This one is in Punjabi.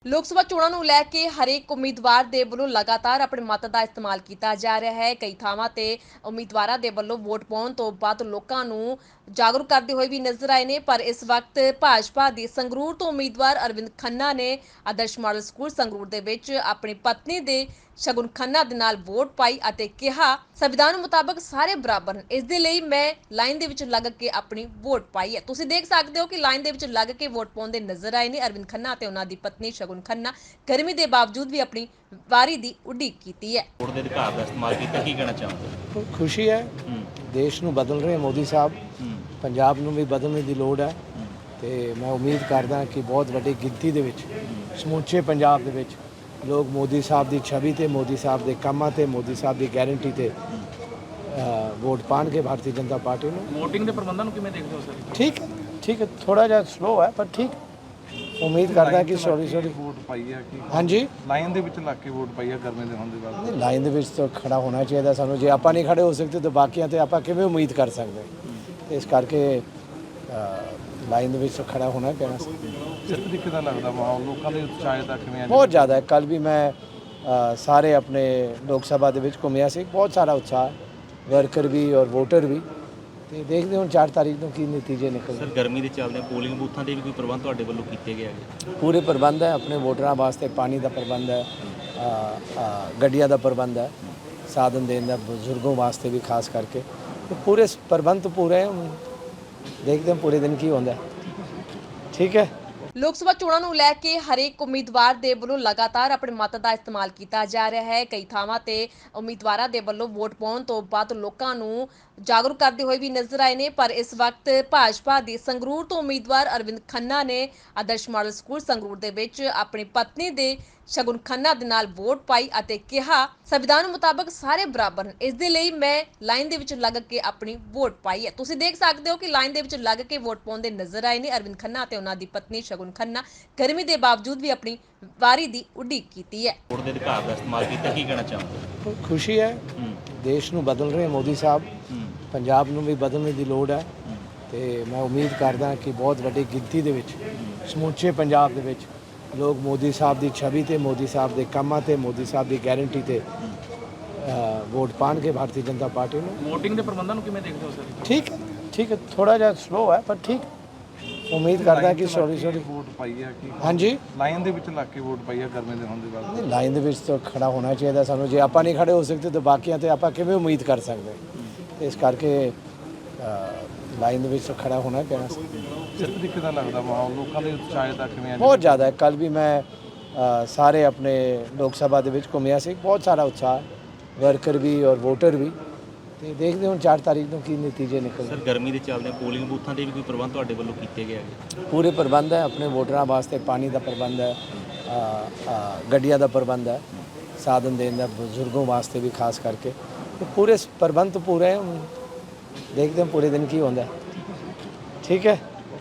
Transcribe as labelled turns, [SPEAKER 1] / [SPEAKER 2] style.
[SPEAKER 1] ਲੋਕ ਸਭਾ ਚੋਣਾਂ ਨੂੰ ਲੈ ਕੇ ਹਰੇਕ ਉਮੀਦਵਾਰ ਦੇ ਵੱਲੋਂ ਲਗਾਤਾਰ ਆਪਣੇ ਮਤ ਦਾ ਇਸਤੇਮਾਲ ਕੀਤਾ ਜਾ ਰਿਹਾ ਹੈ। ਕਈ ਥਾਵਾਂ ਤੇ ਉਮੀਦਵਾਰਾਂ ਦੇ ਵੱਲੋਂ ਵੋਟ ਪਾਉਣ ਤੋਂ ਬਾਅਦ ਲੋਕਾਂ ਨੂੰ ਜਾਗਰੂਕ ਕਰਦੇ ਹੋਏ ਵੀ ਨਜ਼ਰ ਆਏ ਨੇ। ਪਰ ਇਸ ਵਕਤ ਭਾਜਪਾ ਦੇ ਸੰਗਰੂਰ ਤੋਂ ਉਮੀਦਵਾਰ ਅਰਵਿੰਦ ਖੰਨਾ ਨੇ ਆਦਰਸ਼ ਮਾਡਲ ਸਕੂਲ ਸੰਗਰੂਰ ਦੇ ਵਿੱਚ ਆਪਣੀ ਪਤਨੀ ਦੇ ਸ਼ਗੁਨ ਖੰਨਾ ਦੇ ਨਾਲ ਵੋਟ ਪਾਈ ਅਤੇ ਕਿਹਾ, ਸੰਵਿਧਾਨ ਮੁਤਾਬਕ ਸਾਰੇ ਬਰਾਬਰ ਹਨ, ਇਸ ਦੇ ਲਈ ਮੈਂ ਲਾਈਨ ਦੇ ਵਿੱਚ ਲੱਗ ਕੇ ਆਪਣੀ ਵੋਟ ਪਾਈ ਹੈ। ਤੁਸੀਂ ਦੇਖ ਸਕਦੇ ਹੋ ਕਿ ਲਾਈਨ ਦੇ ਵਿੱਚ ਲੱਗ ਕੇ ਵੋਟ ਪਾਉਂਦੇ ਨਜ਼ਰ ਆਏ ਨੇ ਅਰਵਿੰਦ ਖੰਨਾ ਤੇ ਉਹਨਾਂ ਦੀ ਪਤਨੀ ਸ਼ਗੁਨ ਖੰਨਾ। ਗਰਮੀ ਦੇ ਬਾਵਜੂਦ ਵੀ ਆਪਣੀ ਵਾਰੀ ਦੀ ਉਡੀਕ ਕੀਤੀ ਹੈ।
[SPEAKER 2] ਵੋਟ ਦੇ ਅਧਿਕਾਰ ਦਾ ਇਸਤੇਮਾਲ ਕੀਤਾ, ਕੀ ਕਹਿਣਾ ਚਾਹੋਗੇ?
[SPEAKER 3] खुशी है, देश ਨੂੰ ਬਦਲ ਰਹੇ ਮੋਦੀ ਸਾਹਿਬ, ਪੰਜਾਬ ਨੂੰ ਵੀ ਬਦਲਣ ਦੀ ਲੋੜ ਹੈ ਤੇ ਮੈਂ ਉਮੀਦ ਕਰਦਾ ਕਿ ਬਹੁਤ ਵੱਡੀ ਗਿਣਤੀ ਦੇ ਵਿੱਚ ਸਮੁੱਚੇ ਪੰਜਾਬ ਦੇ ਵਿੱਚ ਲੋਕ ਮੋਦੀ ਸਾਹਿਬ ਦੀ ਛਵੀ ਤੇ ਮੋਦੀ ਸਾਹਿਬ ਦੇ ਕੰਮਾਂ ਤੇ ਮੋਦੀ ਸਾਹਿਬ ਦੀ ਗਾਰੰਟੀ ਤੇ ਵੋਟ ਪਾਣਗੇ ਭਾਰਤੀ ਜਨਤਾ ਪਾਰਟੀ ਨੂੰ।
[SPEAKER 2] ਵੋਟਿੰਗ ਦੇ ਪ੍ਰਬੰਧਾਂ ਨੂੰ ਕਿਵੇਂ ਦੇਖਦੇ ਹੋ ਸਰ?
[SPEAKER 3] ਠੀਕ ਹੈ, ਥੋੜਾ ਜਿਹਾ ਸਲੋ ਹੈ ਪਰ ਠੀਕ ਉਮੀਦ ਕਰਦਾ ਕਿ ਸੌਰੀ
[SPEAKER 4] ਵੋਟ ਪਾਈ ਹੈ ਕਿ
[SPEAKER 3] ਹਾਂਜੀ
[SPEAKER 4] ਲਾਈਨ ਦੇ ਵਿੱਚ ਲੱਗ ਕੇ ਵੋਟ ਪਾਈ ਹੈ ਗਰਮੀ ਦੇ ਹੋਣ ਦੇ ਬਾਅਦ।
[SPEAKER 3] ਲਾਈਨ ਦੇ ਵਿੱਚ ਤਾਂ ਖੜਾ ਹੋਣਾ ਚਾਹੀਦਾ ਸਾਨੂੰ। ਜੇ ਆਪਾਂ ਨਹੀਂ ਖੜੇ ਹੋ ਸਕਦੇ ਤਾਂ ਬਾਕੀਆਂ ਤੇ ਆਪਾਂ ਕਿਵੇਂ ਉਮੀਦ ਕਰ ਸਕਦੇ? ਇਸ ਕਰਕੇ ਲਾਈਨ ਦੇ ਵਿੱਚ ਖੜਾ ਹੋਣਾ ਪੈਣਾ।
[SPEAKER 4] ਕਿਸ ਤਰੀਕੇ ਦਾ ਲੱਗਦਾ ਮਾਹੌਲ ਲੋਕਾਂ ਦੇ ਉਤਸ਼ਾਹ ਦਾ ਕਿਵੇਂ?
[SPEAKER 3] ਬਹੁਤ ਜ਼ਿਆਦਾ ਹੈ। ਕੱਲ ਵੀ ਮੈਂ ਸਾਰੇ ਆਪਣੇ ਲੋਕ ਸਭਾ ਦੇ ਵਿੱਚ ਘੁੰਮਿਆ ਸੀ, ਬਹੁਤ ਸਾਰਾ ਉਤਸ਼ਾਹ, ਵਰਕਰ ਵੀ ਔਰ ਵੋਟਰ ਵੀ। ਤੇ ਦੇਖਦੇ ਹੁਣ 4 ਤਾਰੀਖ ਨੂੰ ਕੀ ਨਤੀਜੇ ਨਿਕਲਦੇ।
[SPEAKER 2] ਸਰ ਗਰਮੀ ਦੇ ਚੱਲਦੇ ਪੋਲਿੰਗ ਬੂਥਾਂ ਦੇ ਵੀ ਕੋਈ ਪ੍ਰਬੰਧ ਤੁਹਾਡੇ ਵੱਲੋਂ ਕੀਤੇ ਗਏ ਹੈਗੇ?
[SPEAKER 3] ਪੂਰੇ ਪ੍ਰਬੰਧ ਹੈ, ਆਪਣੇ ਵੋਟਰਾਂ ਵਾਸਤੇ ਪਾਣੀ ਦਾ ਪ੍ਰਬੰਧ ਹੈ, ਗੱਡੀਆਂ ਦਾ ਪ੍ਰਬੰਧ ਹੈ, ਸਾਧਨ ਦੇਣ ਦਾ ਬਜ਼ੁਰਗੋਂ ਵਾਸਤੇ ਵੀ ਖਾਸ ਕਰਕੇ। ਤੇ ਪੂਰੇ ਪ੍ਰਬੰਧ ਪੂਰੇ ਹੈ। ਦੇਖਦੇ ਹਾਂ ਪੂਰੇ ਦਿਨ ਕੀ ਹੁੰਦਾ। ਠੀਕ ਹੈ।
[SPEAKER 1] ਲੋਕ ਸਭਾ ਚੋਣਾਂ ਨੂੰ ਲੈ ਕੇ ਹਰੇਕ ਉਮੀਦਵਾਰ ਦੇ ਵੱਲੋਂ ਲਗਾਤਾਰ ਆਪਣੇ ਮਤ ਦਾ ਇਸਤੇਮਾਲ ਕੀਤਾ ਜਾ ਰਿਹਾ ਹੈ। ਕਈ ਥਾਵਾਂ ਤੇ ਉਮੀਦਵਾਰਾਂ ਦੇ ਵੱਲੋਂ ਵੋਟ ਪਾਉਣ ਤੋਂ ਬਾਅਦ ਲੋਕਾਂ ਨੂੰ ਜਾਗਰੂਕ ਕਰਦੇ ਹੋਏ ਵੀ ਨਜ਼ਰ ਆਏ ਨੇ। ਪਰ ਇਸ ਵਕਤ ਭਾਜਪਾ ਦੇ ਸੰਗਰੂਰ ਤੋਂ ਉਮੀਦਵਾਰ ਅਰਵਿੰਦ ਖੰਨਾ ਨੇ ਆਦਰਸ਼ ਮਾਡਲ ਸਕੂਲ ਸੰਗਰੂਰ ਦੇ ਵਿੱਚ ਆਪਣੀ ਪਤਨੀ ਦੇ ਸ਼ਗੁਨ ਖੰਨਾ ਦੇ ਨਾਲ ਵੋਟ ਪਾਈ ਅਤੇ ਕਿਹਾ, ਸੰਵਿਧਾਨ ਮੁਤਾਬਕ ਸਾਰੇ ਬਰਾਬਰ ਹਨ, ਇਸ ਦੇ ਲਈ ਮੈਂ ਲਾਈਨ ਦੇ ਵਿੱਚ ਲੱਗ ਕੇ ਆਪਣੀ ਵੋਟ ਪਾਈ ਹੈ। ਤੁਸੀਂ ਦੇਖ ਸਕਦੇ ਹੋ ਕਿ ਲਾਈਨ ਦੇ ਵਿੱਚ ਲੱਗ ਕੇ ਵੋਟ ਪਾਉਂਦੇ ਨਜ਼ਰ ਆਏ ਨੇ ਅਰਵਿੰਦ ਖੰਨਾ ਤੇ ਉਹਨਾਂ ਦੀ ਪਤਨੀ ਸ਼ਗੁਨ ਖੰਨਾ। ਗਰਮੀ ਦੇ ਬਾਵਜੂਦ ਵੀ ਆਪਣੀ ਵਾਰੀ ਦੀ ਉਡੀਕ ਕੀਤੀ ਹੈ।
[SPEAKER 2] ਵੋਟ ਦੇ ਅਧਿਕਾਰ ਦਾ ਇਸਤੇਮਾਲ ਕੀਤਾ, ਕੀ ਕਹਿਣਾ ਚਾਹੋਗੇ?
[SPEAKER 3] ਖੁਸ਼ੀ ਹੈ, ਦੇਸ਼ ਨੂੰ ਬਦਲ ਰਹੇ ਮੋਦੀ ਸਾਹਿਬ, ਪੰਜਾਬ ਨੂੰ ਵੀ ਬਦਲਣ ਦੀ ਲੋੜ ਹੈ ਤੇ ਮੈਂ ਉਮੀਦ ਕਰਦਾ ਕਿ ਬਹੁਤ ਵੱਡੀ ਗਿਣਤੀ ਦੇ ਵਿੱਚ ਸਮੁੱਚੇ ਪੰਜਾਬ ਦੇ ਵਿੱਚ ਲੋਕ ਮੋਦੀ ਸਾਹਿਬ ਦੀ ਛਵੀ ਤੇ ਮੋਦੀ ਸਾਹਿਬ ਦੇ ਕੰਮਾਂ ਤੇ ਮੋਦੀ ਸਾਹਿਬ ਦੀ ਗਾਰੰਟੀ ਤੇ ਵੋਟ ਪਾਣਗੇ ਭਾਰਤੀ ਜਨਤਾ ਪਾਰਟੀ ਨੂੰ।
[SPEAKER 2] ਵੋਟਿੰਗ ਦੇ ਪ੍ਰਬੰਧਾਂ ਨੂੰ ਕਿਵੇਂ ਦੇਖਦੇ ਹੋ ਸਰ?
[SPEAKER 3] ਠੀਕ ਹੈ, ਥੋੜਾ ਜਿਹਾ ਸਲੋ ਹੈ ਪਰ ਠੀਕ ਉਮੀਦ ਕਰਦਾ ਕਿ ਸੌਰੀ
[SPEAKER 4] ਵੋਟ ਪਾਈ ਹੈ ਕਿ
[SPEAKER 3] ਹਾਂਜੀ
[SPEAKER 4] ਲਾਈਨ ਦੇ ਵਿੱਚ ਲੱਗ ਕੇ ਵੋਟ ਪਾਈ ਹੈ ਗਰਮੀ ਦੇ ਹੋਣ ਦੇ ਬਾਅਦ।
[SPEAKER 3] ਲਾਈਨ ਦੇ ਵਿੱਚ ਤਾਂ ਖੜਾ ਹੋਣਾ ਚਾਹੀਦਾ ਸਾਨੂੰ। ਜੇ ਆਪਾਂ ਨਹੀਂ ਖੜੇ ਹੋ ਸਕਦੇ ਤਾਂ ਬਾਕੀਆਂ ਤੇ ਆਪਾਂ ਕਿਵੇਂ ਉਮੀਦ ਕਰ ਸਕਦੇ? ਇਸ ਕਰਕੇ ਲਾਈਨ ਦੇ ਵਿੱਚ ਖੜਾ ਹੋਣਾ ਪੈਣਾ।
[SPEAKER 4] ਕਿਸ ਤਰੀਕੇ ਦਾ ਲੱਗਦਾ ਮਾਹੌਲ ਲੋਕਾਂ ਦੇ ਉਤਸ਼ਾਹ ਦਾ ਕਿਵੇਂ?
[SPEAKER 3] ਬਹੁਤ ਜ਼ਿਆਦਾ ਹੈ। ਕੱਲ ਵੀ ਮੈਂ ਸਾਰੇ ਆਪਣੇ ਲੋਕ ਸਭਾ ਦੇ ਵਿੱਚ ਘੁੰਮਿਆ ਸੀ, ਬਹੁਤ ਸਾਰਾ ਉਤਸ਼ਾਹ, ਵਰਕਰ ਵੀ ਔਰ ਵੋਟਰ ਵੀ। ਤੇ ਦੇਖਦੇ ਹੁਣ 4 ਤਾਰੀਖ ਨੂੰ ਕੀ ਨਤੀਜੇ ਨਿਕਲਦੇ।
[SPEAKER 2] ਸਰ ਗਰਮੀ ਦੇ ਚੱਲਦੇ ਪੋਲਿੰਗ ਬੂਥਾਂ ਦੇ ਵੀ ਕੋਈ ਪ੍ਰਬੰਧ ਤੁਹਾਡੇ ਵੱਲੋਂ ਕੀਤੇ ਗਏ ਹੈਗੇ?
[SPEAKER 3] ਪੂਰੇ ਪ੍ਰਬੰਧ ਹੈ, ਆਪਣੇ ਵੋਟਰਾਂ ਵਾਸਤੇ ਪਾਣੀ ਦਾ ਪ੍ਰਬੰਧ ਹੈ, ਗੱਡੀਆਂ ਦਾ ਪ੍ਰਬੰਧ ਹੈ, ਸਾਧਨ ਦੇਣ ਦਾ ਬਜ਼ੁਰਗੋਂ ਵਾਸਤੇ ਵੀ ਖਾਸ ਕਰਕੇ। ਤੇ ਪੂਰੇ ਪ੍ਰਬੰਧ ਪੂਰੇ ਹੈ। ਦੇਖਦੇ ਹਾਂ ਪੂਰੇ ਦਿਨ ਕੀ ਹੁੰਦਾ। ਠੀਕ ਹੈ।